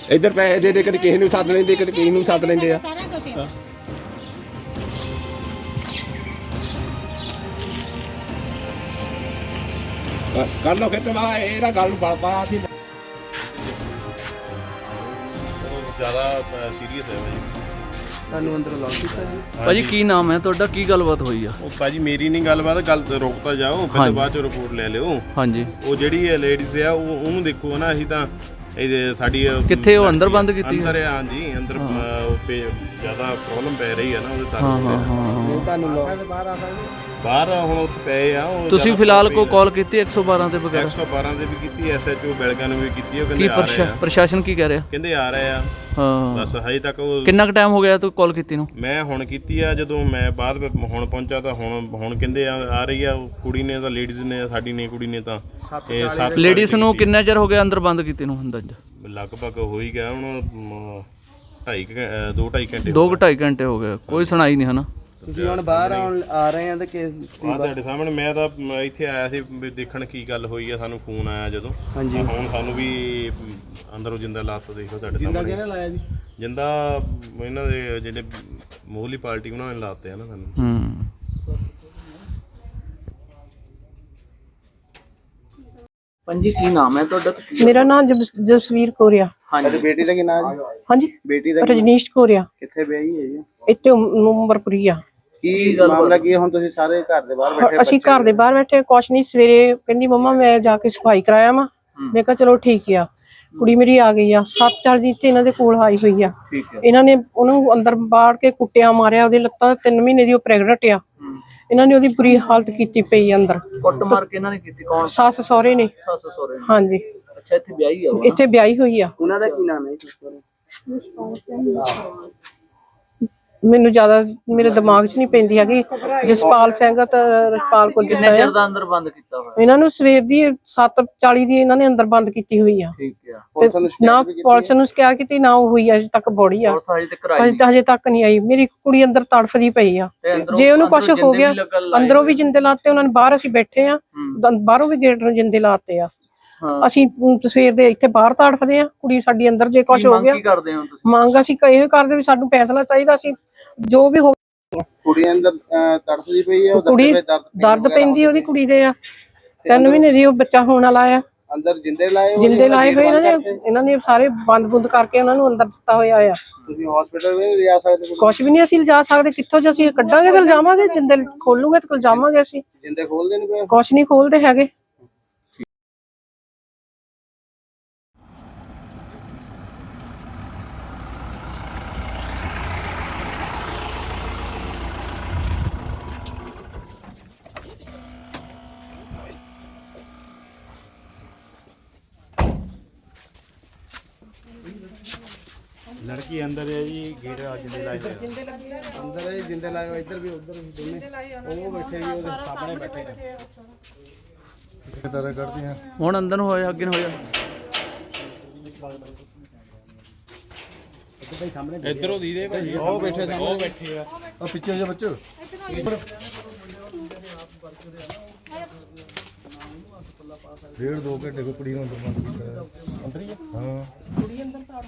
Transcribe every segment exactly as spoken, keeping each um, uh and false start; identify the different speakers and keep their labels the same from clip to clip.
Speaker 1: ਇੱਧਰ ਪੈਸੇ ਦੇ ਦੇ ਕਦੇ ਕਿਸੇ ਨੂੰ ਸੱਦ ਲੈਂਦੇ ਕਦੇ ਕਿਸੇ ਨੂੰ ਸੱਦ ਲੈਂਦੇ ਆ। ਕਰ ਲਓ ਖੇਤ ਮਾ ਇਹਦਾ ਗੱਲ ਨੂੰ ਬਲ ਪਾ ਸੀ
Speaker 2: ਜ਼ਿਆਦਾ ਸੀਰੀਅਸ ਹੈ ਭਾਜੀ।
Speaker 3: ਤੁਹਾਨੂੰ ਅੰਦਰ ਅਲਾਉ ਕੀਤਾ ਜੀ?
Speaker 4: ਭਾਜੀ ਕੀ ਨਾਮ ਹੈ ਤੁਹਾਡਾ, ਕੀ ਗੱਲਬਾਤ ਹੋਈ ਆ?
Speaker 2: ਉਹ ਭਾਜੀ ਮੇਰੀ ਨਹੀਂ ਗੱਲਬਾਤ, ਗੱਲ ਰੁਕ ਤਾਂ ਜਾਓ, ਫਿਰ ਬਾਅਦ ਚ ਰਿਪੋਰਟ ਲੈ ਲਿਓ।
Speaker 4: ਹਾਂਜੀ
Speaker 2: ਉਹ ਜਿਹੜੀ ਲੇਡੀਜ਼ ਆ ਉਹ ਉਹਨੂੰ ਦੇਖੋ ਨਾ, ਅਸੀਂ ਤਾਂ ਇਹ ਸਾਡੀ
Speaker 4: ਕਿੱਥੇ ਉਹ ਅੰਦਰ ਬੰਦ ਕੀਤੀ?
Speaker 2: ਅੰਦਰ ਆ ਹਾਂਜੀ, ਅੰਦਰ ਜ਼ਿਆਦਾ ਪ੍ਰੋਬਲਮ ਪੈ ਰਹੀ ਆ ਨਾ ਉਹਦੇ ਤਾਂ।
Speaker 4: ਹਾਂ ਹਾਂ ਹਾਂ
Speaker 3: ਤੁਹਾਨੂੰ
Speaker 2: ਬਾਹਰ ਹੁਣ ਉੱਥੇ ਪਏ ਆ ਉਹ।
Speaker 4: ਤੁਸੀਂ ਫਿਲਹਾਲ ਕੋਈ ਕਾਲ ਕੀਤੀ ਇੱਕ ਸੌ ਬਾਰਾਂ ਤੇ ਵਗੈਰਾ?
Speaker 2: ਇੱਕ ਸੌ ਬਾਰਾਂ ਤੇ ਵੀ ਕੀਤੀ, ਐਸ ਐਚ ਓ ਬੈਲਗਾ ਨੂੰ ਵੀ ਕੀਤੀ। ਉਹ
Speaker 4: ਕੀ
Speaker 2: ਕਹਿੰਦੇ ਆ ਰਹੇ ਆ,
Speaker 4: ਪ੍ਰਸ਼ਾਸਨ ਕੀ ਕਹਿ ਰਿਹਾ?
Speaker 2: ਕਹਿੰਦੇ ਆ ਰਹੇ ਆ
Speaker 4: ਹਾਂ
Speaker 2: ਬਸ ਹਜੇ ਤੱਕ। ਉਹ
Speaker 4: ਕਿੰਨਾ ਕੁ ਟਾਈਮ ਹੋ ਗਿਆ ਤੂੰ ਕਾਲ ਕੀਤੀ ਨੂੰ?
Speaker 2: ਮੈਂ ਹੁਣ ਕੀਤੀ ਆ, ਜਦੋਂ ਮੈਂ ਬਾਅਦ ਹੁਣ ਪਹੁੰਚਾ ਤਾਂ ਹੁਣ ਹੁਣ ਕਹਿੰਦੇ ਆ ਆ ਰਹੀ ਆ ਕੁੜੀ ਨੇ, ਤਾਂ ਲੇਡੀਜ਼ ਨੇ ਸਾਡੀ ਨੇ ਕੁੜੀ ਨੇ ਤਾਂ ਇਹ ਸੱਤ
Speaker 4: ਲੇਡੀਜ਼ ਨੂੰ ਕਿੰਨਾ ਚਿਰ ਹੋ ਗਿਆ ਅੰਦਰ ਬੰਦ ਕੀਤੀ ਨੂੰ? ਹੁੰਦਾ
Speaker 2: ਲਗਭਗ ਹੋ ਹੀ ਗਿਆ ਹੁਣ ਢਾਈ ਦੋ ਢਾਈ ਘੰਟੇ
Speaker 4: ਦੋ ਕੁ ਢਾਈ ਘੰਟੇ ਹੋ ਗਏ, ਕੋਈ ਸੁਣਾਈ ਨਹੀਂ ਹੈ ਨਾ।
Speaker 3: ਤੁਸੀਂ ਹੁਣ ਬਾਹਰ ਆਉਣ ਆ ਰਹੇ ਆ ਤੇ ਕੇਸ
Speaker 2: ਆ ਤੁਹਾਡੇ ਸਾਹਮਣੇ ਮੈਂ ਤਾਂ ਇੱਥੇ ਆਇਆ ਸੀ ਵੀ ਦੇਖਣ ਕੀ ਗੱਲ ਹੋਈ ਆ। ਸਾਨੂੰ ਫੋਨ ਆਇਆ ਜਦੋਂ।
Speaker 3: ਹਾਂਜੀ
Speaker 2: ਹੁਣ ਸਾਨੂੰ ਵੀ ਅੰਦਰੋਂ ਜਿੰਦਾ ਲਾਸ਼ ਦੇਖੋ ਤੁਹਾਡੇ ਸਾਹਮਣੇ।
Speaker 3: ਜਿੰਦਾ ਕਿਹਨੇ ਲਾਇਆ ਜੀ?
Speaker 2: ਜਿੰਦਾ ਇਹਨਾਂ ਦੇ ਜਿਹੜੇ ਮੋਹਲੀ ਪਾਰਟੀ ਉਹਨਾਂ ਨੇ ਲਾਤੇ ਆ ਨਾ ਸਾਨੂੰ।
Speaker 4: ਹੂੰ ਪੰਜੀ ਕੀ ਨਾਮ ਹੈ ਤੁਹਾਡਾ?
Speaker 5: ਮੇਰਾ ਨਾਮ ਜਸਵੀਰ ਕੋਰੀਆ।
Speaker 3: ਹਾਂਜੀ ਬੇਟੀ ਦਾ ਕੀ ਨਾਮ ਜੀ?
Speaker 5: ਹਾਂਜੀ
Speaker 3: ਬੇਟੀ ਦਾ
Speaker 5: ਰਜਨੀਸ਼ ਕੋਰੀਆ।
Speaker 3: ਕਿੱਥੇ ਵਿਆਹੀ ਹੈ ਜੀ?
Speaker 5: ਇੱਥੇ ਉਮਰਪੁਰੀ ਆ।
Speaker 3: ਕੀ ਮਾਮਲਾ ਕੀ ਹੈ? ਹੁਣ ਤੁਸੀਂ ਸਾਰੇ ਘਰ ਦੇ ਬਾਹਰ ਬੈਠੇ?
Speaker 5: ਅਸੀਂ ਘਰ ਦੇ ਬਾਹਰ ਬੈਠੇ, ਕੁਛ ਨਹੀਂ। ਸਵੇਰੇ ਕਹਿੰਦੀ ਮੰਮਾ ਮੈਂ ਜਾ ਕੇ ਸਫਾਈ ਕਰਾਇਆ ਵਾ। ਮੈਂ ਕਿਹਾ ਚਲੋ ਠੀਕ ਆ। ਕੁੜੀ ਮੇਰੀ ਆ ਗਈ ਆ ਸੱਤ ਚਾਰ ਦਿਨ ਤੇ ਇਹਨਾਂ ਦੇ ਕੋਲ ਆਈ ਹੋਈ ਆ। ਇਹਨਾਂ ਨੇ ਉਹਨੂੰ ਅੰਦਰ ਬਾੜ ਕੇ ਕੁੱਟਿਆ ਮਾਰਿਆ, ਉਹਦੀ ਲੱਤਾਂ ਤਿੰਨ ਮਹੀਨੇ ਦੀ ਉਹ ਪ੍ਰੈਗਨੈਂਟ ਆ। ਇਹਨਾਂ ਨੇ ਉਹਦੀ ਬੁਰੀ ਹਾਲਤ ਕੀਤੀ ਪਈ ਅੰਦਰ।
Speaker 4: ਕੁੱਟ ਮਾਰ ਕੇ ਇਹਨਾਂ ਨੇ ਕੀਤੀ? ਕੌਣ?
Speaker 5: ਸੱਸ ਸਹੁਰੇ ਨੇ।
Speaker 4: ਸੱਸ ਸਹੁਰੇ?
Speaker 5: ਹਾਂਜੀ।
Speaker 4: ਅੱਛਾ ਇੱਥੇ ਵਿਆਹੀ ਆ?
Speaker 5: ਇੱਥੇ ਵਿਆਹੀ ਹੋਈ ਆ।
Speaker 3: ਉਹਨਾਂ ਦਾ ਕੀ ਨਾਮ ਹੈ ਜੀ?
Speaker 5: ਮੈਨੂੰ ਜ਼ਿਆਦਾ ਮੇਰੇ ਦਿਮਾਗ 'ਚ ਨਹੀਂ ਪੈਂਦੀ ਹੈਗੀ। ਜਸਪਾਲ ਸਿੰਘ ਤੇ ਰਜਪਾਲ ਕੌਰ ਜਿੱਦਾਂ
Speaker 4: ਚਿਰ
Speaker 5: ਆ।
Speaker 4: ਦਾ ਅੰਦਰ ਬੰਦ ਕੀਤਾ ਹੋਇਆ
Speaker 5: ਇਹਨਾਂ ਨੂੰ ਸਵੇਰ ਦੀ ਸੱਤ ਚਾਲੀ ਦੀ ਇਹਨਾਂ ਨੇ ਅੰਦਰ ਬੰਦ ਕੀਤੀ ਹੋਈ ਆ।
Speaker 4: ਠੀਕ ਆ।
Speaker 5: ਤੇ ਨਾ ਪੁਲਿਸ ਨੂੰ ਸ਼ਿਕਾਇਤ ਕੀਤੀ, ਨਾ ਉਹ ਹੋਈ ਅਜੇ ਤੱਕ ਬੋੜੀ ਆ।
Speaker 4: ਪੁਲਿਸ ਹਜੇ ਤੱਕ ਆਈ
Speaker 5: ਅਜੇ ਹਜੇ ਤੱਕ ਨਹੀਂ ਆਈ। ਮੇਰੀ ਕੁੜੀ ਅੰਦਰ ਤੜਫਦੀ ਪਈ ਆ। ਜੇ ਉਹਨੂੰ ਕੁਝ ਹੋ ਗਿਆ, ਅੰਦਰੋਂ ਵੀ ਜਿੰਦੇ ਲਾਤੇ ਉਹਨਾਂ ਨੇ। ਬਾਹਰ ਅਸੀਂ ਬੈਠੇ ਆ, ਬਾਹਰੋਂ ਵੀ ਗੇਟ ਨੂੰ ਜਿੰਦੇ ਲਾਤੇ ਆ। ਅਸੀਂ ਸਵੇਰ ਦੇ ਇੱਥੇ ਬਾਹਰ ਤੜਫਦੇ ਆ। ਕੁੜੀ ਸਾਡੀ ਅੰਦਰ ਜੇ ਕੁਝ ਹੋ ਗਿਆ।
Speaker 4: ਕੀ ਕਰਦੇ ਹੋ ਤੁਸੀਂ? ਮੰਗ
Speaker 5: ਅਸੀਂ ਇਹੋ ਕਰਦੇ ਵੀ ਸਾਨੂੰ ਫੈਸਲਾ ਚਾਹੀਦਾ ਸੀ ਜੋ ਵੀ ਹੋ।
Speaker 3: ਕੁੜੀ ਅੰਦਰ ਤੜਫਦੀ ਪਈ ਹੈ,
Speaker 5: ਕੁੜੀ ਦਰਦ ਪੈਂਦੀ ਉਹਦੀ ਕੁੜੀ ਦੇ ਆ। ਤਿੰਨ ਮਹੀਨੇ ਦੀ ਉਹ ਬੱਚਾ ਹੋਣ ਵਾਲਾ ਆ।
Speaker 3: ਅੰਦਰ ਜਿੰਦੇ ਲਾਏ
Speaker 5: ਜਿੰਦੇ ਲਾਏ ਹੋਏ ਇਹਨਾਂ ਨੇ। ਇਹਨਾਂ ਨੇ ਸਾਰੇ ਬੰਦ ਬੁੰਦ ਕਰਕੇ ਉਹਨਾਂ ਨੂੰ ਅੰਦਰ ਦਿੱਤਾ ਹੋਇਆ ਆ।
Speaker 3: ਤੁਸੀਂ ਹਸਪੀਟਲ ਵੀ ਨਹੀਂ ਲਿਜਾ ਸਕਦੇ?
Speaker 5: ਕੁਛ ਵੀ ਨਹੀਂ ਅਸੀਂ ਲਿਜਾ ਸਕਦੇ। ਕਿੱਥੋਂ ਜੇ ਅਸੀਂ ਕੱਢਾਂਗੇ ਤੇ ਲਿਜਾਵਾਂਗੇ। ਜਿੰਦੇ ਖੋਲੂਗੇ ਤੇ ਲਿਜਾਵਾਂਗੇ ਅਸੀਂ।
Speaker 3: ਜਿੰਦੇ ਖੋਲਦੇ ਨਹੀਂ ਪਏ?
Speaker 5: ਕੁਛ ਨਹੀਂ ਖੋਲਦੇ ਹੈਗੇ।
Speaker 2: ਲੜਕੀ ਅੰਦਰ ਹੈ ਜੀ, ਗੇਟ ਜਿੰਦੇ ਲਾਏ ਹੋਏ
Speaker 3: ਅੰਦਰ ਹੈ ਜਿੰਦੇ ਲਾਏ ਹੋਏ, ਇੱਧਰ ਵੀ ਉੱਧਰ ਵੀ ਦੋਨੇ। ਉਹ ਬੈਠੇ ਜੀ ਉਹਦੇ ਸਾਹਮਣੇ ਬੈਠੇ ਨੇ। ਕਿਸ ਤਰ੍ਹਾਂ ਕਰਦੇ ਆ
Speaker 4: ਹੁਣ ਅੰਦਰ ਨੂੰ ਹੋਇਆ ਅੱਗੇ ਨੂੰ ਹੋਇਆ?
Speaker 2: ਇੱਧਰੋਂ ਦੀਦੇ ਭਾਜੀ
Speaker 3: ਉਹ ਬੈਠੇ
Speaker 2: ਉਹ ਬੈਠੇ ਆ।
Speaker 3: ਉਹ ਪਿੱਛੇ ਜਾ ਬੱਚੋ। ਡੇਢ ਦੋ ਘੰਟੇ ਕੋਈ ਕੁੜੀ ਨੂੰ ਅੰਦਰ ਬੰਦ ਕੀਤਾ। ਅੰਦਰ ਹੀ ਹਾਂ ਕੁੜੀ ਅੰਦਰ।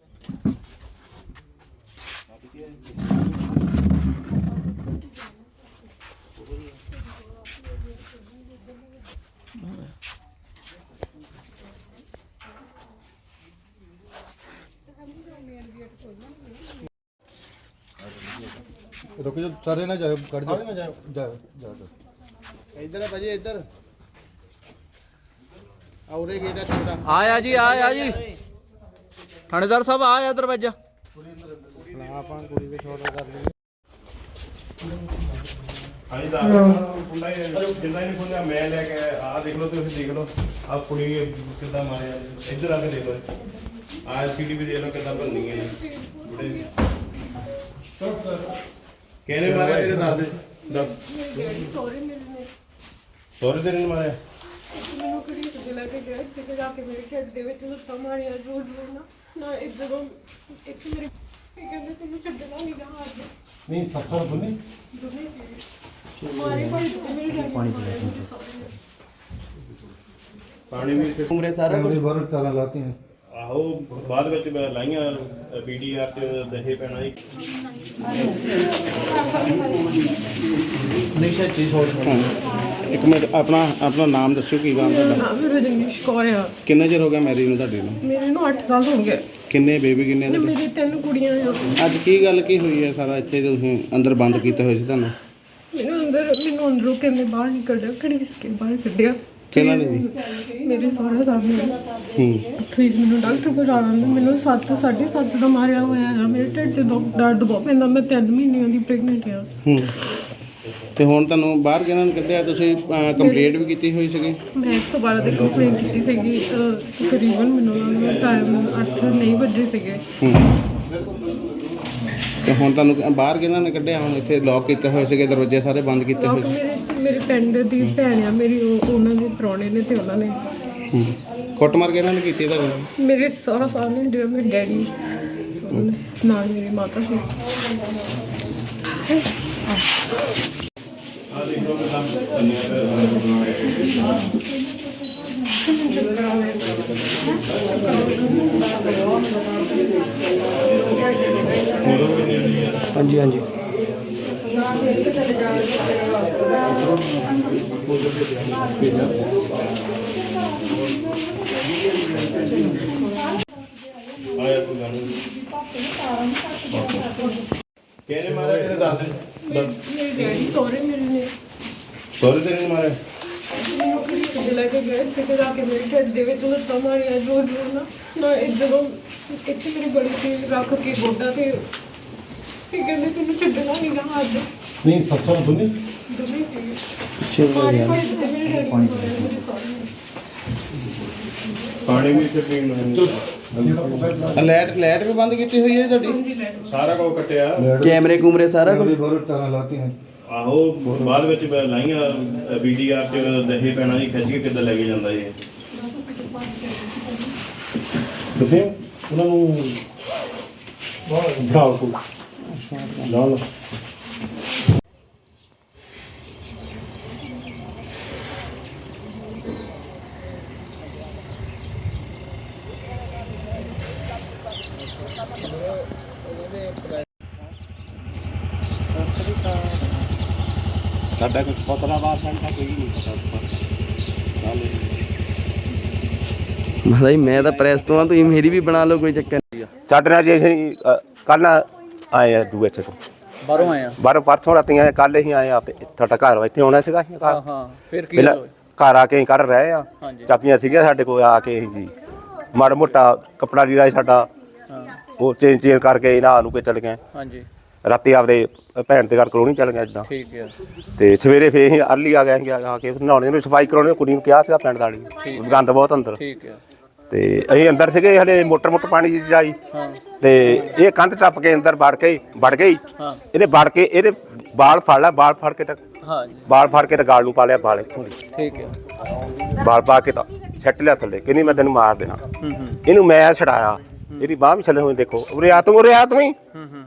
Speaker 3: रुक जाओ सारे ना जाओ, कट जाओ ना जाओ जाओ जाओ इधर है भाजी इधर और एक गेट है छोटा।
Speaker 4: आया जी आया जी थानेदार साहब आया दरवाजा।
Speaker 3: ਆਪਾਂ ਕੁੜੀ ਦੇ ਛੋਟਾ ਕਰ ਲਈ।
Speaker 2: ਹਾਂਜੀ ਦਾ ਕੁੰਡਾ ਹੀ ਜਿੰਦਾ ਹੀ ਨਹੀਂ ਖੁੱਲਿਆ। ਮੈਂ ਲੈ ਕੇ ਆ ਦੇਖ ਲਓ, ਤੁਸੀਂ ਦੇਖ ਲਓ ਆ ਕੁੜੀ ਕਿੱਦਾਂ ਮਾਰਿਆ। ਇੱਧਰ ਆ ਕੇ ਦੇਖ ਲਓ, ਆ ਸੀਡੀ ਵੀ ਦੇਖ ਲਓ ਕਿੱਦਾਂ ਬੰਨੀ ਹੈ ਬੁੜੇ। ਕਿਹਨੇ ਮਾਰਿਆ ਤੇਰੇ ਦੱਸ ਦੇ ਦੱਸ। ਸੋਰੇ ਤੇਰੇ ਨੇ ਮਾਰਿਆ?
Speaker 5: ਮੈਨੂੰ ਕਿਹੜੀ ਜਿਲਾ ਕੇ ਗਿਆ ਤੇ ਜਾ ਕੇ ਮੇਰੇ ਢਿੱਡ ਦੇ ਵਿੱਚ ਲੱਤਾਂ ਮਾਰੀਆਂ ਜੋੜ ਜੋੜ ਨਾ ਨਾ ਇਹ ਜਦੋਂ ਇੱਕ ਮੇਰੇ ਇਹ ਕਹਿੰਦੇ ਤੈਨੂੰ ਛੱਡਣਾ ਨਹੀਂ ਗਾ ਹਾਰ ਦੇ।
Speaker 2: ਨਹੀਂ ਸੱਸੋਂ ਦੁਨੀ
Speaker 5: ਮਾਰੇ ਭਾਈ ਮੇਰੇ ਪਾਣੀ
Speaker 2: ਪਾਣੀ ਵੀ
Speaker 3: उम्र सारा कुछ बाहर ताला लाते हैं।
Speaker 2: ਆਹੋ ਬਾਅਦ ਵਿੱਚ ਮੈਂ ਲਾਈਆਂ ਪੀਡੀਆਰ ਚ ਦਹੇ ਪੈਣਾ ਜੀ।
Speaker 3: ਇੱਕ ਮਿੰਟ ਆਪਣਾ ਆਪਣਾ ਨਾਮ ਦੱਸਿਓ ਕੀ ਗੱਲ ਤੁਹਾਡਾ?
Speaker 5: ਨਾਮ ਰਜਨੀਸ਼ ਕੌਰ ਆ।
Speaker 3: ਕਿੰਨਾ ਚਿਰ ਹੋ ਗਿਆ ਮੈਰਿਜ ਨੂੰ ਤੁਹਾਡੀ ਨੂੰ?
Speaker 5: ਮੇਰੇ ਨੂੰ ਅੱਠ ਸਾਲ ਹੋ ਗਏ।
Speaker 3: ਕਿੰਨੇ ਬੇਬੀ ਕਿੰਨੇ
Speaker 5: ਤੇ
Speaker 3: ਤੁਹਾਡੇ?
Speaker 5: ਮੇਰੀ ਤਿੰਨ ਕੁੜੀਆਂ ਆ।
Speaker 3: ਅੱਜ ਕੀ ਗੱਲ ਕੀ ਹੋਈ ਹੈ ਸਾਰਾ ਇੱਥੇ ਤੁਸੀਂ ਅੰਦਰ ਬੰਦ ਕੀਤੇ ਹੋਏ ਸੀ ਤੁਹਾਨੂੰ?
Speaker 5: ਮੈਨੂੰ ਅੰਦਰ ਮੈਨੂੰ ਅੰਦਰੋਂ ਕਹਿੰਦੇ ਬਾਹਰ ਨਿਕਲ ਜਾ, ਘੜੀਸ ਕੇ ਬਾਹਰ ਕੱਢਿਆ।
Speaker 3: ਕਿਹਨਾਂ ਨੇ ਜੀ?
Speaker 5: ਮੇਰੇ ਸਹੁਰਾ ਸਾਹਿਬ ਨੇ।
Speaker 3: ਹੂੰ
Speaker 5: ਉੱਥੇ ਹੀ ਮੈਨੂੰ ਡਾਕਟਰ ਕੋਲ ਜਾਣਾ ਹੁੰਦਾ। ਮੈਨੂੰ ਸੱਤ ਸਾਢੇ ਸੱਤ ਦਾ ਮਾਰਿਆ ਹੋਇਆ ਹੈ। ਮੇਰੇ ਢਿੱਡ 'ਚ ਦੁੱਖ ਦਰਦ ਬਹੁਤ ਪੈਂਦਾ। ਮੈਂ ਤਿੰਨ ਮਹੀਨਿਆਂ ਦੀ ਪ੍ਰੈਗਨੈਂਟ ਆ।
Speaker 3: ਹੂੰ ਤੇ ਹੁਣ ਤੁਹਾਨੂੰ ਬਾਹਰ ਕਿਹਨਾਂ ਨੇ ਕੱਢਿਆ? ਤੁਸੀਂ ਕੰਪਲੇਂਟ ਵੀ ਕੀਤੀ ਹੋਈ ਸੀਗੀ?
Speaker 5: ਮੈਂ ਇੱਕ ਸੌ ਬਾਰਾਂ ਦੀ ਕੰਪਲੇਂਟ ਕੀਤੀ ਸੀਗੀ। ਅਹ, ਤਕਰੀਬਨ ਮੈਨੂੰ ਉਹਨਾਂ ਟਾਈਮ ਅੱਠ ਨਹੀਂ ਵੱਜੇ ਸੀਗੇ।
Speaker 3: ਹੂੰ ਤੇ ਹੁਣ ਤੁਹਾਨੂੰ ਬਾਹਰ ਕਿਹਨਾਂ ਨੇ ਕੱਢਿਆ? ਹੁਣ ਇੱਥੇ ਲੌਕ ਕੀਤੇ ਹੋਏ ਸੀਗੇ, ਦਰਵਾਜ਼ੇ ਸਾਰੇ ਬੰਦ ਕੀਤੇ ਹੋਏ
Speaker 5: ਲੋਕ
Speaker 3: ਸੀ।
Speaker 5: ਮੇਰੇ ਮੇਰੇ ਪਿੰਡ ਦੀ ਭੈਣ ਆ ਮੇਰੀ, ਉਹ ਉਹਨਾਂ ਦੇ ਪ੍ਰਾਹੁਣੇ ਨੇ ਤੇ ਉਹਨਾਂ ਨੇ
Speaker 3: ਹੂੰ ਕੁੱਟਮਾਰ ਕਿਹਨਾਂ ਨੇ ਕੀਤੀ ਤੁਹਾਨੂੰ?
Speaker 5: ਮੇਰੇ ਸਹੁਰਾ ਸਾਹਿਬ ਨੇ, ਜਿਹੜਾ ਮੇਰੇ ਡੈਡੀ ਉਹਨਾਂ ਨੇ, ਨਾਲ ਮੇਰੀ ਮਾਤਾ ਸੀ।
Speaker 2: ਆਹ ਦੇਖ ਲਓ ਕਿਦਾਂ ਧੰਨਿਆ
Speaker 4: ਹਾਂਜੀ ਹਾਂਜੀ
Speaker 2: ਆਇਆ ਕੋਈ ਗੱਲ ਨਹੀਂ। ਕਿਹਨੇ ਮਾਰਿਆ? ਕਿਹਨੇ ਦੱਸ ਦੇ।
Speaker 5: ਮੇਰੇ ਡੈਡੀ ਸਹੁਰੇ ਮੇਰੇ ਨੇ
Speaker 2: ਸੋਰੇ ਤੇਰੇ ਨੇ ਮਾਰਿਆ?
Speaker 5: ਮੈਨੂੰ ਕਿਤੇ ਲੈ ਕੇ ਗਏ, ਕਿਤੇ ਜਾ ਕੇ ਮੇਰੇ ਢਿੱਡ ਦੇ ਵਿੱਚ ਲੱਤਾਂ ਮਾਰੀਆਂ ਜ਼ੋਰ ਜ਼ੋਰ ਨਾਲ। ਨਾ ਇਹ ਜਦੋਂ ਇੱਥੇ ਮੇਰੇ ਗਲੇ 'ਤੇ ਰੱਖ ਕੇ ਗੋਡਾ ਤੇ ਇਹ ਕਹਿੰਦੇ ਤੈਨੂੰ ਛੱਡਣਾ ਨਹੀਂ ਗਾ ਅੱਜ।
Speaker 2: ਨਹੀਂ ਸੱਸੋਂ ਦੁਨੀ
Speaker 5: ਦੋਵੇਂ ਸੀਗੇ। ਮਾਰੇ ਭਾਈ ਤੇ ਮੇਰੇ ਡੈਡੀ ਨੂੰ ਮਾਰਿਆ, ਮੇਰੇ ਸਹੁਰੇ ਨੇ।
Speaker 2: ਪਾਣੀ ਵੀ ਇੱਥੇ ਪੀਣ ਨੂੰ
Speaker 3: ਲਾਈਟ ਲਾਈਟ ਵੀ ਬੰਦ ਕੀਤੀ ਹੋਈ ਹੈ ਤੁਹਾਡੀ?
Speaker 2: ਸਾਰਾ ਕੁਝ ਕੱਟਿਆ।
Speaker 4: ਕੈਮਰੇ ਕੂਮਰੇ ਸਾਰਾ ਕੁਝ?
Speaker 2: ਆਹੋ ਬਾਅਦ ਵਿੱਚ ਮੈਂ ਲਾਈਆਂ ਪੀਡੀਆਰ ਚ ਦਹੇ ਪੈਣਾ ਜੀ, ਖਿੱਚ ਕੇ ਕਿੱਦਾਂ ਲੈ ਕੇ ਜਾਂਦਾ ਇਹ। ਤੁਸੀਂ ਉਹਨਾਂ ਨੂੰ ਬਿਠਾਓ ਕੋਲ ਲਾ ਲਓ।
Speaker 1: ਸਾਡਾ ਕੁਝ ਪਤਲਾ ਬਾਤ ਸਾਡਾ ਕੋਈ ਨਹੀਂ ਪਤਾ।
Speaker 4: ਭਾਈ ਮੈਂ ਤਾਂ ਪ੍ਰੈਸ ਤੋਂ ਆ, ਤੁਸੀਂ ਮੇਰੀ ਵੀ ਬਣਾ ਲਓ, ਕੋਈ ਚੱਕਰ ਨਹੀਂ।
Speaker 1: ਸਾਡੇ ਨਾਲ ਜੇ ਅਸੀਂ ਕੱਲ ਆਏ ਆ ਦੂਏ ਤੋਂ
Speaker 4: ਬਾਹਰੋਂ ਆਏ ਆ?
Speaker 1: ਬਾਹਰੋਂ ਪਰਸੋਂ ਰਾਤੀ ਆਏ, ਕੱਲ ਹੀ ਆਏ ਆ। ਤੁਹਾਡਾ ਘਰ ਇੱਥੇ ਆਉਣਾ ਸੀਗਾ।
Speaker 4: ਹਾਂ ਹਾਂ ਫਿਰ ਕੀ
Speaker 1: ਪਹਿਲਾਂ ਘਰ ਆ ਕੇ ਅਸੀਂ ਕਰ ਰਹੇ ਆ।
Speaker 4: ਹਾਂਜੀ।
Speaker 1: ਚਾਬੀਆਂ ਸੀਗੀਆਂ ਸਾਡੇ ਕੋਲ, ਆ ਕੇ ਜੀ ਮਾੜਾ ਮੋਟਾ ਕੱਪੜਾ ਲੀੜਾ ਸੀ ਸਾਡਾ,
Speaker 4: ਹਾਂ
Speaker 1: ਉਹ ਚੇਂਜ ਚੇਂਜ ਕਰਕੇ ਇਹਨਾਂ ਨੂੰ ਕੇ ਚਲੇ ਗਏ।
Speaker 4: ਹਾਂਜੀ
Speaker 1: ਰਾਤੀ ਆਪਦੇ ਭੈਣ ਦੇ ਘਰ ਕਲੋਨੀ ਚੱਲ ਗਏ ਇਦਾਂ।
Speaker 4: ਠੀਕ ਹੈ।
Speaker 1: ਤੇ ਸਵੇਰੇ ਫੇਰ ਅਸੀਂ ਅਰਲੀ ਆ ਗਏ ਸੀ, ਆ ਕੇ ਨਹਾਉਣੇ ਨੂੰ ਸਫਾਈ ਕਰਾਉਣੀ ਕੁੜੀ ਨੂੰ ਕਿਹਾ ਸੀਗਾ ਪਿੰਡ ਵਾਲੀ, ਗੰਦ ਬਹੁਤ ਅੰਦਰ।
Speaker 4: ਠੀਕ ਹੈ।
Speaker 1: ਤੇ ਅਸੀਂ ਅੰਦਰ ਸੀਗੇ, ਹਲੇ ਮੋਟਰ ਮੋਟਰ ਪਾਣੀ ਦੀ ਜਾਈ ਤੇ ਇਹ ਕੰਧ ਟੱਪ ਕੇ ਅੰਦਰ ਵੜ ਕੇ ਵੜ ਗਈ।
Speaker 4: ਹਾਂ
Speaker 1: ਇਹਨੇ ਵੜ ਕੇ ਇਹਦੇ ਬਾਲ ਫੜ ਲਿਆ, ਬਾਲ ਫੜ ਕੇ ਤਾਂ
Speaker 4: ਹਾਂ ਜੀ
Speaker 1: ਬਾਲ ਫੜ ਕੇ ਤਾਂ ਗਾਲ ਨੂੰ ਪਾ ਲਿਆ, ਬਾਲ ਇੱਥੋਂ ਦੀ
Speaker 4: ਠੀਕ ਹੈ।
Speaker 1: ਬਾਲ ਪਾ ਕੇ ਤਾਂ ਛੱਟ ਲਿਆ ਥੱਲੇ, ਕਹਿੰਦੀ ਮੈਂ ਤੈਨੂੰ ਮਾਰ ਦੇਣਾ।
Speaker 4: ਹੂੰ ਹੂੰ
Speaker 1: ਇਹਨੂੰ ਮੈਂ ਛਡਾਇਆ, ਇਹਦੀ ਬਾਹ ਵੀ ਛੱਲੇ ਹੋਏ, ਦੇਖੋ ਉਰੇ ਆ ਤੂੰ, ਉਰੇ ਆ ਤੂੰ ਹੀ।
Speaker 4: ਹੂੰ ਹੂੰ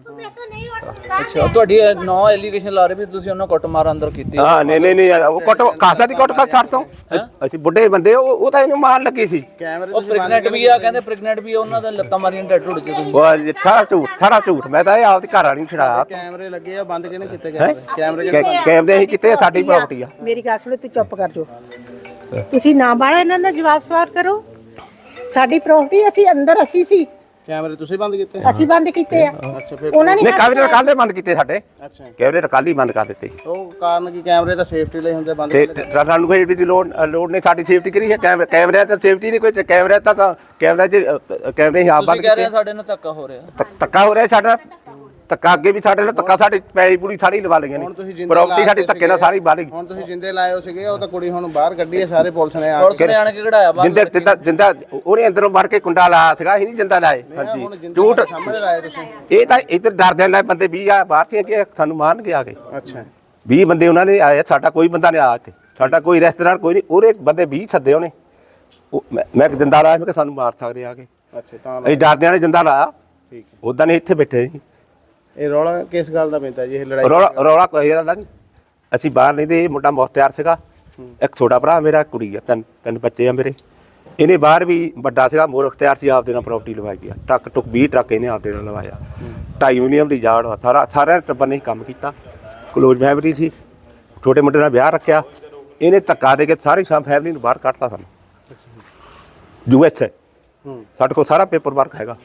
Speaker 4: ਅੱਛਾ, ਤੁਹਾਡੀ ਨੌ ਐਲੀਗੇਸ਼ਨ ਲਾ ਰਹੇ ਵੀ ਤੁਸੀਂ ਉਹਨਾਂ ਕੁੱਟ ਮਾਰ ਅੰਦਰ ਕੀਤੀ?
Speaker 1: ਹਾਂ ਨਹੀਂ ਨਹੀਂ ਨਹੀਂ ਉਹ ਕੁੱਟ ਕਾਸਾ ਦੀ ਕੁੱਟ ਖਾ ਛੱਡ ਤੋਂ। ਅਸੀਂ ਬੁੱਢੇ ਬੰਦੇ, ਉਹ ਉਹ ਤਾਂ ਇਹਨੂੰ ਮਾਰਨ ਲੱਗੀ ਸੀ।
Speaker 4: ਉਹ ਪ੍ਰੈਗਨੈਂਟ ਵੀ ਆ, ਕਹਿੰਦੇ ਪ੍ਰੈਗਨੈਂਟ ਵੀ ਆ, ਉਹਨਾਂ ਦਾ ਲੱਤਾਂ ਮਾਰੀਆਂ ਟੈਟੂ ਢੁੱਡ ਚ ਤੁਸੀਂ।
Speaker 1: ਉਹ ਸਾਰਾ ਝੂਠ, ਸਾਰਾ ਝੂਠ। ਮੈਂ ਤਾਂ ਇਹ ਆਪਦੀ ਘਰ ਵਾਲੀ ਨੂੰ ਛਡਾਇਆ।
Speaker 3: ਕੈਮਰੇ ਲੱਗੇ ਆ, ਬੰਦ ਕਿਹਨੇ ਕੀਤੇ ਕੈਮਰੇ? ਕੈਮਰੇ
Speaker 1: ਕੈਮਰੇ ਅਸੀਂ ਕਿਤੇ, ਸਾਡੀ ਪ੍ਰਾਪਰਟੀ ਆ।
Speaker 6: ਮੇਰੀ ਗੱਲ ਸੁਣੋ, ਤੂੰ ਚੁੱਪ ਕਰ ਜੋ। ਤੁਸੀਂ ਨਾ ਬਾੜਾ ਇਹਨਾਂ ਦਾ ਜਵਾਬ ਸਵਾਲ ਕਰੋ। ਸਾਡੀ ਪ੍ਰਾਪਰਟੀ, ਅਸੀਂ ਅੰਦਰ ਅਸੀਂ ਸੀ,
Speaker 3: ਕੈਮਰੇ ਤੁਸੀਂ ਬੰਦ ਕੀਤੇ?
Speaker 6: ਅਸੀਂ ਬੰਦ ਕੀਤੇ ਆ।
Speaker 3: ਅੱਛਾ ਫਿਰ
Speaker 6: ਉਹਨਾਂ ਨੇ
Speaker 1: ਨਹੀਂ ਕੈਮਰੇ ਤਾਂ ਕੱਲ੍ਹ ਦੇ ਬੰਦ ਕੀਤੇ ਸਾਡੇ,
Speaker 3: ਅੱਛਾ
Speaker 1: ਕੈਮਰੇ ਤਾਂ ਕੱਲ੍ਹ ਹੀ ਬੰਦ ਕਰ ਦਿੱਤੇ।
Speaker 3: ਉਹ ਕਾਰਨ ਕੀ? ਕੈਮਰੇ ਤਾਂ ਸੇਫਟੀ ਲਈ ਹੁੰਦੇ, ਬੰਦ
Speaker 1: ਤੇ ਸਾਨੂੰ ਕੋਈ ਦੀ ਲੋੜ ਲੋੜ ਨਹੀਂ, ਸਾਡੀ ਸੇਫਟੀ ਕਰੀ ਹੈ। ਕੈਮਰੇ ਕੈਮਰੇ ਤਾਂ ਸੇਫਟੀ ਨਹੀਂ ਕੋਈ, ਕੈਮਰੇ ਤਾਂ ਤਾਂ ਕੈਮਰੇ 'ਚ ਕੈਮਰੇ ਹੀ ਆਪ ਬੰਦ
Speaker 4: ਤੁਸੀਂ ਕਹਿ ਰਹੇ
Speaker 1: ਕੀਤੇ।
Speaker 4: ਆ ਸਾਡੇ ਨਾਲ ਧੱਕਾ ਹੋ ਰਿਹਾ।
Speaker 1: ਧੱਕ- ਧੱਕਾ ਹੋ ਰਿਹਾ ਸਾਡਾ, ਧੱਕਾ ਅੱਗੇ ਵੀ ਸਾਡੇ ਨਾਲ ਧੱਕਾ, ਸਾਡੀ ਪੈਲੀ ਪੂਰੀ ਸਾਰੀ ਲਵਾ ਲਈਆਂ
Speaker 3: ਹੁਣ ਤੁਸੀਂ
Speaker 1: ਨੇ,
Speaker 3: ਜਿੰਦੇ
Speaker 1: ਪ੍ਰਾਪਰਟੀ ਸਾਡੀ ਧੱਕੇ ਨਾਲ ਸਾਰੀ ਬਾਹਰ ਗਈ।
Speaker 3: ਹੁਣ ਤੁਸੀਂ ਜਿੰਦੇ ਲਾਏ ਹੋ ਸੀਗੇ, ਉਹ ਤਾਂ ਕੁੜੀ ਹੁਣ ਬਾਹਰ ਕੱਢੀ ਹੈ, ਸਾਰੇ ਪੁਲਿਸ ਨੇ ਆ
Speaker 4: ਪੁਲਿਸ ਨੇ ਆਣ ਕੇ ਕਢਾਇਆ ਬਾਹਰ।
Speaker 1: ਜਿੰਦਾ ਜਿੰਦਾ ਜਿੰਦਾ ਉਹਨੇ ਅੰਦਰੋਂ ਵੜ ਕੇ ਕੁੰਡਾ ਲਾਇਆ ਸੀਗਾ, ਅਸੀਂ ਨਹੀਂ ਜਿੰਦਾ ਲਾਏ। ਹਾਂਜੀ
Speaker 3: ਹੁਣ ਜਿੰਦੇ
Speaker 1: ਝੂਠ।
Speaker 3: ਸਾਹਮਣੇ ਲਾਏ ਤੁਸੀਂ?
Speaker 1: ਇਹ ਤਾਂ ਇੱਧਰ ਡਰਦੇ ਨਾਲ ਬੰਦੇ ਵੀਹ ਆ ਬਾਹਰ ਸੀ ਕਿ ਸਾਨੂੰ ਮਾਰਨਗੇ ਆ ਕੇ।
Speaker 3: ਅੱਛਾ
Speaker 1: ਵੀਹ ਬੰਦੇ ਉਹਨਾਂ ਨੇ ਆਏ, ਸਾਡਾ ਕੋਈ ਬੰਦਾ ਨਹੀਂ ਆਇਆ, ਸਾਡਾ ਕੋਈ ਰਿਸ਼ਤੇਦਾਰ ਕੋਈ ਨਹੀਂ, ਉਹਦੇ ਬੰਦੇ ਵੀਹ ਸੱਦੇ ਉਹਨੇ। ਉਹ ਮੈਂ ਮੈਂ ਜਿੰਦਾ ਲਾਇਆ, ਮੈਂ ਕਿ ਸਾਨੂੰ ਮਾਰ ਸਕਦੇ ਆ ਕੇ।
Speaker 3: ਅੱਛਾ ਤਾਂ
Speaker 1: ਅਸੀਂ ਡਰਦਿਆਂ ਨੇ ਜਿੰਦਾ ਲਾਇਆ,
Speaker 3: ਠੀਕ ਹੈ।
Speaker 1: ਉਦਾਂ ਨਹੀਂ ਇੱਥੇ ਬੈਠੇ ਸੀ।
Speaker 3: ਇਹ ਰੌਲਾ ਕਿਸ ਗੱਲ ਦਾ ਪੈਂਦਾ ਜੀ, ਇਹ ਲੜਾਈ?
Speaker 1: ਰੌਲਾ ਰੌਲਾ ਕੋਈ ਗੱਲ ਨਹੀਂ, ਅਸੀਂ ਬਾਹਰ ਨਹੀਂ ਤੇ ਇਹ ਮੁੰਡਾ ਮੁਖਤਿਆਰ ਸੀਗਾ, ਇੱਕ ਛੋਟਾ ਭਰਾ ਮੇਰਾ, ਕੁੜੀ ਆ, ਤਿੰਨ ਤਿੰਨ ਬੱਚੇ ਆ ਮੇਰੇ। ਇਹਨੇ ਬਾਹਰ ਵੀ ਵੱਡਾ ਸੀਗਾ ਮੋਰ ਅਖਤਿਆਰ ਸੀ, ਆਪਦੇ ਨਾਲ ਪ੍ਰਾਪਰਟੀ ਲਵਾਈ ਗਿਆ, ਟੱਕ ਟੁੱਕ ਵੀਹ ਟਰੱਕ ਇਹਨੇ ਆਪਦੇ ਨਾਲ ਲਵਾਇਆ। ਢਾਈ ਯੂਨੀਅਮ ਦੀ ਜਾੜ ਵਾ, ਸਾਰਾ ਸਾਰਿਆਂ ਟੱਬਰ ਨੇ ਕੰਮ ਕੀਤਾ, ਕਲੋਜ਼ ਫੈਮਿਲੀ ਸੀ, ਛੋਟੇ ਮੁੰਡੇ ਦਾ ਵਿਆਹ ਰੱਖਿਆ, ਇਹਨੇ ਧੱਕਾ ਦੇ ਕੇ ਸਾਰੀ ਸ਼ਾਮ ਫੈਮਿਲੀ ਨੂੰ ਬਾਹਰ ਕੱਢਤਾ ਸਾਨੂੰ। ਯੂ ਐਸ ਏ ਸਾਡੇ ਕੋਲ ਸਾਰਾ ਪੇਪਰ ਵਰਕ ਹੈਗਾ।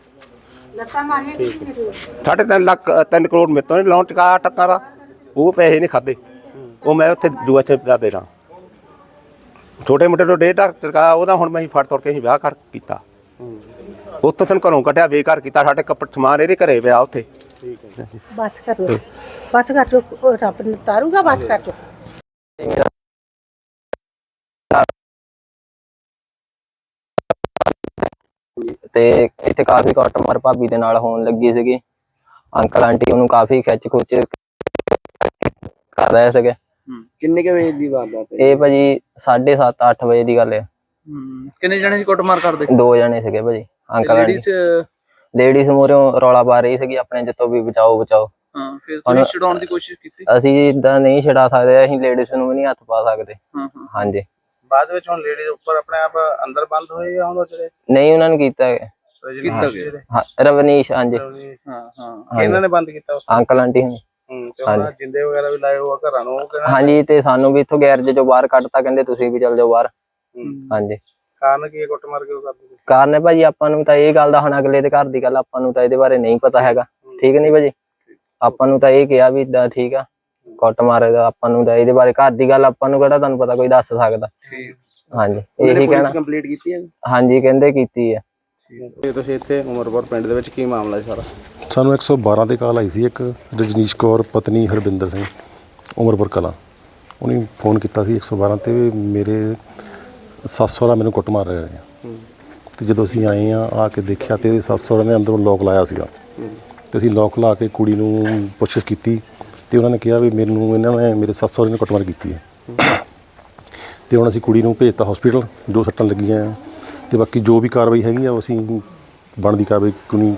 Speaker 1: ਸਾਢੇ ਤਿੰਨ ਲੱਖ ਤਿੰਨ ਕਰੋੜ ਮੇਰੇ ਤੋਂ ਲੋਨ ਚੁਕਾਇਆ ਟੱਕਾ ਦਾ, ਉਹ ਪੈਸੇ ਨਹੀਂ ਖਾਦੇ, ਉਹ ਮੈਂ ਉੱਥੇ ਯੂ ਐਸ ਏ ਦਾ ਦੇਣਾ। ਛੋਟੇ ਮੁੰਡੇ ਤੋਂ ਡੇਢ ਲੱਖ ਚੁਕਾਇਆ ਉਹਦਾ, ਹੁਣ ਮੈਂ ਹੀ ਫੜ ਤੋੜ ਕੇ ਅਸੀਂ ਵਿਆਹ ਕਰ ਕੀਤਾ। ਉੱਥੋਂ ਸਾਨੂੰ ਘਰੋਂ ਕੱਢਿਆ, ਬੇਕਾਰ ਕੀਤਾ, ਸਾਡੇ ਕੱਪੜੇ ਸਮਾਨ ਇਹਦੇ ਘਰੇ ਪਿਆ ਉੱਥੇ।
Speaker 6: ਬਸ ਕਰੋ ਬਸ ਕਰ ਜੋ, ਉਹ ਰੱਬ ਨੇ ਤਾਰੂਗਾ, ਬਸ ਕਰ ਜੋ।
Speaker 7: ਤੇ ਇੱਥੇ ਕਾਫੀ ਕੁੱਟਮਾਰ ਭਾਬੀ ਦੇ ਨਾਲ ਹੋਣ ਲੱਗੀ ਸੀਗੀ। ਅੰਕਲ ਆਂਟੀ ਉਹਨੂੰ ਕਾਫੀ ਖਿੱਚ ਖੁੱਚ ਕਰ ਰਹੇ ਸੀਗੇ।
Speaker 4: ਕਿੰਨੇ ਕੁ ਵਜੇ ਦੀ ਵਾਰਦਾਤ ਹੈ?
Speaker 7: ਇਹ ਭਾਜੀ ਸਾਢੇ ਸੱਤ ਅੱਠ ਵਜੇ ਦੀ ਗੱਲ ਹੈ।
Speaker 4: ਕਿੰਨੇ ਜਣੇ ਸੀ ਕੁੱਟਮਾਰ ਕਰਦੇ?
Speaker 7: ਦੋ ਜਣੇ ਸੀਗੇ ਭਾਜੀ, ਅੰਕਲ ਆਂਟੀ।
Speaker 4: ਲੇਡੀਜ਼
Speaker 7: ਲੇਡੀਜ਼ ਮੂਹਰੋਂ ਰੌਲਾ ਪਾ ਰਹੀ ਸੀਗੀ ਆਪਣੇ ਜਿੱਤੋਂ ਵੀ ਬਚਾਓ ਬਚਾਓ।
Speaker 4: ਹਾਂ, ਫਿਰ ਤੁਸੀਂ ਛਡਾਉਣ ਦੀ ਕੋਸ਼ਿਸ਼ ਕੀਤੀ?
Speaker 7: ਅਸੀਂ ਇਦਾਂ ਨਹੀਂ ਛਡਾ ਸਕਦੇ, ਅਸੀਂ ਲੇਡੀਜ਼ ਨੂੰ ਵੀ ਨਹੀਂ ਹੱਥ ਪਾ ਸਕਦੇ।
Speaker 4: ਹਾਂ ਹਾਂ
Speaker 7: ਹਾਂਜੀ।
Speaker 3: ਬਾਅਦ ਵਿੱਚ ਹੁਣ ਲੇਡੀਜ਼ ਉੱਪਰ ਆਪਣੇ ਆਪ ਅੰਦਰ ਬੰਦ ਹੋਏ ਜਾਂ ਉਹਨਾਂ ਜਿਹੜੇ
Speaker 7: ਨਹੀਂ ਉਹਨਾਂ ਨੇ ਕੀਤਾ ਹੈ।
Speaker 4: ਕੀਤਾ ਗਿਆ?
Speaker 7: ਹਾਂ ਰਵਨੀਸ਼, ਹਾਂਜੀ
Speaker 4: ਹਾਂ ਹਾਂ।
Speaker 3: ਇਹਨਾਂ ਨੇ ਬੰਦ ਕੀਤਾ ਉਸ
Speaker 7: ਅੰਕਲ ਆਂਟੀ ਹੁਣ।
Speaker 3: ਹੂੰ ਤੇ ਉਹਨਾਂ ਜਿੰਦੇ ਵਗੈਰਾ ਵੀ ਲਾਏ ਹੋਆ ਘਰਾਂ ਨੂੰ, ਉਹ ਕਹਿੰਦਾ
Speaker 7: ਹਾਂਜੀ, ਤੇ ਸਾਨੂੰ ਵੀ ਇੱਥੋਂ ਗੈਰਜ ਚੋਂ ਬਾਹਰ ਕੱਢਤਾ, ਕਹਿੰਦੇ ਤੁਸੀਂ ਵੀ ਚੱਲ ਜਾਓ ਬਾਹਰ। ਹਾਂਜੀ।
Speaker 3: ਕਾਰਨ ਕੀ ਹੈ ਕੁੱਟਮਾਰ ਕਿਉਂ ਕਰਦੇ?
Speaker 7: ਕਾਰਨ ਹੈ ਭਾਜੀ ਆਪਾਂ ਨੂੰ ਤਾਂ ਇਹ ਗੱਲ ਦਾ, ਹੁਣ ਅਗਲੇ ਦੇ ਘਰ ਦੀ ਗੱਲ ਆਪਾਂ ਨੂੰ ਤਾਂ ਇਹਦੇ ਬਾਰੇ ਨਹੀਂ ਪਤਾ ਹੈਗਾ। ਠੀਕ ਨਹੀਂ ਭਾਜੀ, ਆਪਾਂ ਨੂੰ ਤਾਂ ਇਹ ਕਿਹਾ ਵੀ ਇਦਾਂ ਠੀਕ ਆ, ਕੁੱਟ ਮਾਰੇਗਾ, ਆਪਾਂ ਨੂੰ ਤਾਂ ਇਹਦੇ ਬਾਰੇ ਘਰ ਦੀ ਗੱਲ ਆਪਾਂ ਨੂੰ ਕਿਹੜਾ ਤੁਹਾਨੂੰ ਪਤਾ ਕੋਈ ਦੱਸ ਸਕਦਾ। ਹਾਂਜੀ, ਇਹੀ ਕਹਿਣਾ।
Speaker 4: ਕੰਪਲੀਟ ਕੀਤੀ ਹੈ?
Speaker 7: ਹਾਂਜੀ ਕਹਿੰਦੇ ਕੀਤੀ ਹੈ।
Speaker 3: ਇਹ ਤੁਸੀਂ ਇੱਥੇ ਉਮਰਪੁਰ ਪਿੰਡ ਦੇ ਵਿੱਚ ਕੀ ਮਾਮਲਾ ਹੈ ਸਾਰਾ?
Speaker 8: ਸਾਨੂੰ ਇੱਕ ਸੌ ਬਾਰਾਂ 'ਤੇ ਕਾਲ ਆਈ ਸੀ, ਇੱਕ ਰਜਨੀਸ਼ ਕੌਰ ਪਤਨੀ ਹਰਬਿੰਦਰ ਸਿੰਘ ਉਮਰਪੁਰ ਕਲਾਂ, ਉਹਨੇ ਫੋਨ ਕੀਤਾ ਸੀ ਇੱਕ ਸੌ ਬਾਰਾਂ 'ਤੇ ਵੀ ਮੇਰੇ ਸੱਸ ਸਹੁਰਾ ਮੈਨੂੰ ਕੁੱਟ ਮਾਰ ਰਹੇ ਆ। ਅਤੇ ਜਦੋਂ ਅਸੀਂ ਆਏ ਆ ਆ ਕੇ ਦੇਖਿਆ ਤਾਂ ਇਹਦੇ ਸੱਸ ਸਹੁਰਾ ਨੇ ਅੰਦਰੋਂ ਲੋਕ ਲਾਇਆ ਸੀਗਾ, ਅਤੇ ਅਸੀਂ ਲੋਕ ਲਾ ਕੇ ਕੁੜੀ ਨੂੰ ਪੁੱਛਿਸ਼ ਕੀਤੀ ਅਤੇ ਉਹਨਾਂ ਨੇ ਕਿਹਾ ਵੀ ਮੈਨੂੰ ਇਹਨਾਂ ਨੇ ਮੇਰੇ ਸੱਸ ਸਹੁਰੇ ਨੇ ਕੁੱਟਮਾਰ ਕੀਤੀ ਹੈ। ਅਤੇ ਹੁਣ ਅਸੀਂ ਕੁੜੀ ਨੂੰ ਭੇਜਤਾ ਹੌਸਪੀਟਲ, ਜੋ ਸੱਟਾਂ ਲੱਗੀਆਂ ਆ, ਅਤੇ ਬਾਕੀ ਜੋ ਵੀ ਕਾਰਵਾਈ ਹੈਗੀ ਆ ਉਹ ਅਸੀਂ ਬਣਦੀ ਕਾਰਵਾਈ ਕਾਨੂੰਨੀ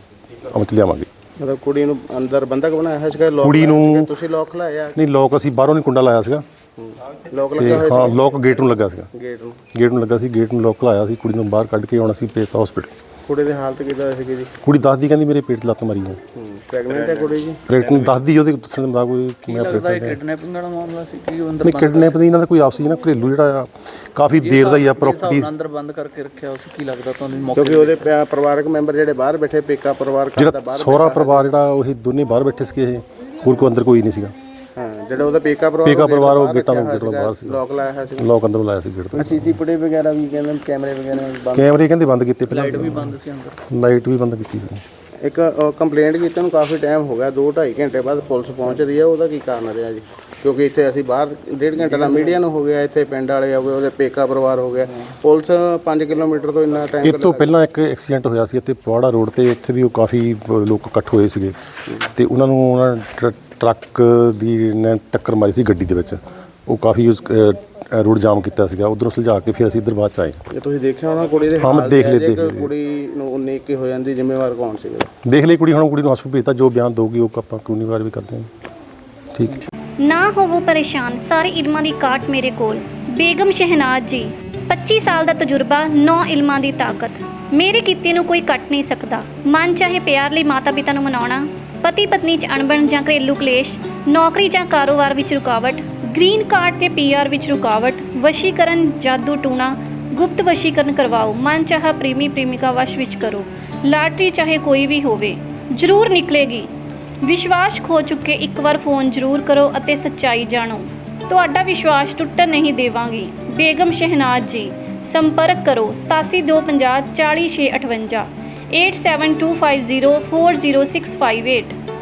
Speaker 8: ਅਮਲ 'ਚ ਲਿਆਵਾਂਗੇ।
Speaker 3: ਮਤਲਬ ਕੁੜੀ ਨੂੰ ਅੰਦਰ ਬੰਦਕ ਬਣਾਇਆ ਹੈ ਸੀਗਾ?
Speaker 8: ਕੁੜੀ ਨੂੰ
Speaker 3: ਤੁਸੀਂ ਲੋਕ ਲਾਇਆ?
Speaker 8: ਨਹੀਂ, ਲੋਕ ਅਸੀਂ ਬਾਹਰੋਂ ਨਹੀਂ ਕੁੰਡਾ ਲਾਇਆ ਸੀਗਾ,
Speaker 3: ਲੋਕ
Speaker 8: ਤੇ
Speaker 3: ਲੱਗਾ ਹੋਇਆ
Speaker 8: ਹਾਂ ਲੋਕ ਗੇਟ ਨੂੰ ਲੱਗਾ ਸੀਗਾ,
Speaker 3: ਗੇਟ ਨੂੰ
Speaker 8: ਗੇਟ ਨੂੰ ਲੱਗਾ ਸੀ, ਗੇਟ ਨੂੰ ਲੋਕ ਲਾਇਆ ਸੀ। ਕੁੜੀ ਨੂੰ ਬਾਹਰ ਕੱਢ ਕੇ ਹੁਣ ਅਸੀਂ ਭੇਜਤਾ ਹਸਪੀਟਲ।
Speaker 3: ਕੁੜੀ ਦੀ ਹਾਲਤ ਕਿੱਦਾਂ ਸੀਗੀ ਜੀ?
Speaker 8: ਕੁੜੀ ਦੱਸਦੀ ਕਹਿੰਦੀ ਮੇਰੇ ਪੇਟ 'ਚ ਲੱਤ ਮਾਰੀ ਹੈ।
Speaker 3: ਪ੍ਰੈਗਨੈਂਟ ਹੈ ਕੁੜੀ ਜੀ?
Speaker 8: ਪ੍ਰੈਗਨੈਂਟ ਦੱਸਦੀ, ਉਹਦੇ ਦੱਸਣ ਦਾ ਕੋਈ ਮੈਂ ਪ੍ਰੈਗਨੈਂਟ
Speaker 4: ਕਿਡਨੈਪਿੰਗ ਵਾਲਾ ਮਾਮਲਾ ਸੀ ਕਿ ਉਹ ਅੰਦਰ
Speaker 8: ਨਹੀਂ, ਕਿਡਨੈਪ ਦੀ ਇਹਨਾਂ ਦਾ ਕੋਈ ਆਪਸੀ ਨਾ ਘਰੇਲੂ ਜਿਹੜਾ ਆ ਕਾਫੀ ਦੇਰ ਦਾ ਹੀ ਆ ਪ੍ਰੋਪਰਟੀ।
Speaker 4: ਅੰਦਰ ਬੰਦ ਕਰਕੇ ਰੱਖਿਆ ਉਸ ਕੀ ਲੱਗਦਾ ਤੁਹਾਨੂੰ?
Speaker 3: ਕਿਉਂਕਿ ਉਹਦੇ ਪਿਆ- ਪਰਿਵਾਰਕ ਮੈਂਬਰ ਜਿਹੜੇ ਬਾਹਰ ਬੈਠੇ, ਪੇਕਾ ਪਰਿਵਾਰ ਘਰ ਦਾ
Speaker 8: ਜਿਹੜਾ
Speaker 3: ਬਾਹਰ
Speaker 8: ਸਹੁਰਾ ਪਰਿਵਾਰ ਜਿਹੜਾ ਉਹ ਦੋਨੇ ਬਾਹਰ ਬੈਠੇ ਸੀਗੇ, ਇਹ ਹੋਰ ਕੋਈ ਅੰਦਰ ਕੋਈ ਨਹੀਂ ਸੀਗਾ।
Speaker 3: ਹਾਂ, ਜਿਹੜਾ ਉਹਦਾ ਪੇਕਾ ਪਰਿਵਾਰ
Speaker 8: ਪੇਕਾ ਪਰਿਵਾਰ ਉਹ ਗੇਟਾਂ ਤੋਂ ਗੇਟ ਤੋਂ ਬਾਹਰ ਸੀ,
Speaker 3: ਲੋਕ ਲਾਇਆ ਹੋਇਆ ਸੀ।
Speaker 8: ਲੋਕ ਅੰਦਰੋਂ ਲਾਇਆ ਸੀ ਗੇਟ ਤੋਂ।
Speaker 3: ਸੀਸੀ ਫੁਟੇਜ ਵਗੈਰਾ ਵੀ ਕਹਿੰਦੇ ਕੈਮਰੇ ਵਗੈਰਾ ਬੰਦ,
Speaker 8: ਕੈਮਰੇ ਕਹਿੰਦੇ ਬੰਦ ਕੀਤੇ, ਪਹਿਲਾਂ
Speaker 4: ਲਾਈਟ ਵੀ ਬੰਦ ਸੀ ਅੰਦਰ,
Speaker 8: ਲਾਈਟ ਵੀ ਬੰਦ ਕੀਤੀ ਸੀ।
Speaker 3: ਇੱਕ ਕੰਪਲੇਂਟ ਕੀਤੀ ਨੂੰ ਕਾਫੀ ਟਾਈਮ ਹੋ ਗਿਆ, ਦੋ ਢਾਈ ਘੰਟੇ ਬਾਅਦ ਪੁਲਿਸ ਪਹੁੰਚ ਰਹੀ ਹੈ, ਉਹਦਾ ਕੀ ਕਾਰਨ ਰਿਹਾ ਜੀ? ਕਿਉਂਕਿ ਇੱਥੇ ਅਸੀਂ ਬਾਹਰ ਡੇਢ ਘੰਟੇ ਦਾ ਮੀਡੀਆ ਨੂੰ ਹੋ ਗਿਆ, ਇੱਥੇ ਪਿੰਡ ਵਾਲੇ ਹੋ ਗਏ, ਉਹਦੇ ਪੇਕਾ ਪਰਿਵਾਰ ਹੋ ਗਿਆ, ਪੁਲਿਸ ਪੰਜ ਕਿਲੋਮੀਟਰ ਤੋਂ ਇੰਨਾ ਟਾਈਮ।
Speaker 8: ਇਹ ਤੋਂ ਪਹਿਲਾਂ ਇੱਕ ਐਕਸੀਡੈਂਟ ਹੋਇਆ ਸੀ ਇੱਥੇ ਪਵਾੜਾ ਰੋਡ ਤੇ, ਇੱਥੇ ਵੀ ਉਹ ਕਾਫੀ ਲੋਕ ਇਕੱਠ ਹੋਏ ਸੀਗੇ ਤੇ ਉਹਨਾਂ ਨੂੰ ਉਹਨਾਂ ਟਰ- ਟਰੱਕ ਦੀ ਨੇ ਟੱਕਰ ਮਾਰੀ ਸੀ ਗੱਡੀ ਦੇ ਵਿੱਚ, ਉਹ ਕਾਫੀ ਉਸ ਰੋਡ ਜਾਮ ਕੀਤਾ ਸੀਗਾ, ਉਧਰੋਂ ਸੁਲਝਾ ਕੇ ਫਿਰ ਅਸੀਂ ਇੱਧਰ ਬਾਅਦ 'ਚ ਆਏ।
Speaker 3: ਜੇ ਤੁਸੀਂ ਦੇਖਿਆ ਹੋਣਾ ਕੁੜੀ ਦੇ
Speaker 8: ਹਾਂ, ਮੈਂ
Speaker 3: ਹਾਲ
Speaker 8: ਦੇਖ ਲਏ,
Speaker 3: ਜੇ
Speaker 8: ਦੇਖ ਲਏ।
Speaker 3: ਕੁੜੀ ਨੂੰ ਉਨੀ ਕੀ ਹੋ ਜਾਂਦੀ, ਜ਼ਿੰਮੇਵਾਰ ਕੌਣ ਸੀਗਾ?
Speaker 8: ਦੇਖ ਲਈ ਕੁੜੀ, ਹੁਣ ਕੁੜੀ ਨੂੰ ਹਸਪਤਾਲ ਭੇਜਤਾ, ਜੋ ਬਿਆਨ ਦਊਗੀ ਉਹ ਆਪਾਂ ਕਾਨੂੰਨੀ ਕਾਰਵਾਈ ਕਰਦੇ ਹਾਂ। ਠੀਕ ਹੈ।
Speaker 9: ਨਾ ਹੋਵੋ ਪਰੇਸ਼ਾਨ, ਸਾਰੇ ਇਲਮਾਂ ਦੀ ਕਾਟ ਮੇਰੇ ਕੋਲ। ਬੇਗਮ ਸ਼ਹਿਨਾਜ਼ ਜੀ, ਪੱਚੀ ਸਾਲ ਦਾ ਤਜਰਬਾ, ਨੌ ਇਲਮਾਂ ਦੀ ਤਾਕਤ। ਮੇਰੇ ਕੀਤੇ ਨੂੰ ਕੋਈ ਕੱਟ ਨਹੀਂ ਸਕਦਾ। ਮਨ ਚਾਹੇ ਪਿਆਰ ਲਈ ਮਾਤਾ ਪਿਤਾ ਨੂੰ ਮਨਾਉਣਾ, ਪਤੀ ਪਤਨੀ 'ਚ ਅਣਬਣ ਜਾਂ ਘਰੇਲੂ ਕਲੇਸ਼, ਨੌਕਰੀ ਜਾਂ ਕਾਰੋਬਾਰ ਵਿੱਚ ਰੁਕਾਵਟ, ਗ੍ਰੀਨ ਕਾਰਡ ਤੇ ਪੀ ਆਰ ਵਿੱਚ ਰੁਕਾਵਟ, ਵਸ਼ੀਕਰਨ, ਜਾਦੂ ਟੂਣਾ, ਗੁਪਤ ਵਸ਼ੀਕਰਨ ਕਰਵਾਓ, ਮਨ ਚਾਹਾ ਪ੍ਰੇਮੀ ਪ੍ਰੇਮਿਕਾ ਵਸ਼ ਵਿੱਚ ਕਰੋ, ਲਾਟਰੀ ਚਾਹੇ ਕੋਈ ਵੀ ਹੋਵੇ ਜ਼ਰੂਰ ਨਿਕਲੇਗੀ। ਵਿਸ਼ਵਾਸ ਖੋ ਚੁੱਕੇ ਇੱਕ ਵਾਰ ਫੋਨ ਜ਼ਰੂਰ ਕਰੋ ਅਤੇ ਸੱਚਾਈ ਜਾਣੋ। ਤੁਹਾਡਾ ਵਿਸ਼ਵਾਸ ਟੁੱਟਣ ਨਹੀਂ ਦੇਵਾਂਗੀ। ਬੇਗਮ ਸ਼ਹਿਨਾਜ਼ ਜੀ, ਸੰਪਰਕ ਕਰੋ ਸਤਾਸੀ ਦੋ ਪੰਜਾਹ ਚਾਲੀ ਛੇ ਅਠਵੰਜਾ, eight seven two five zero four zero six five eight.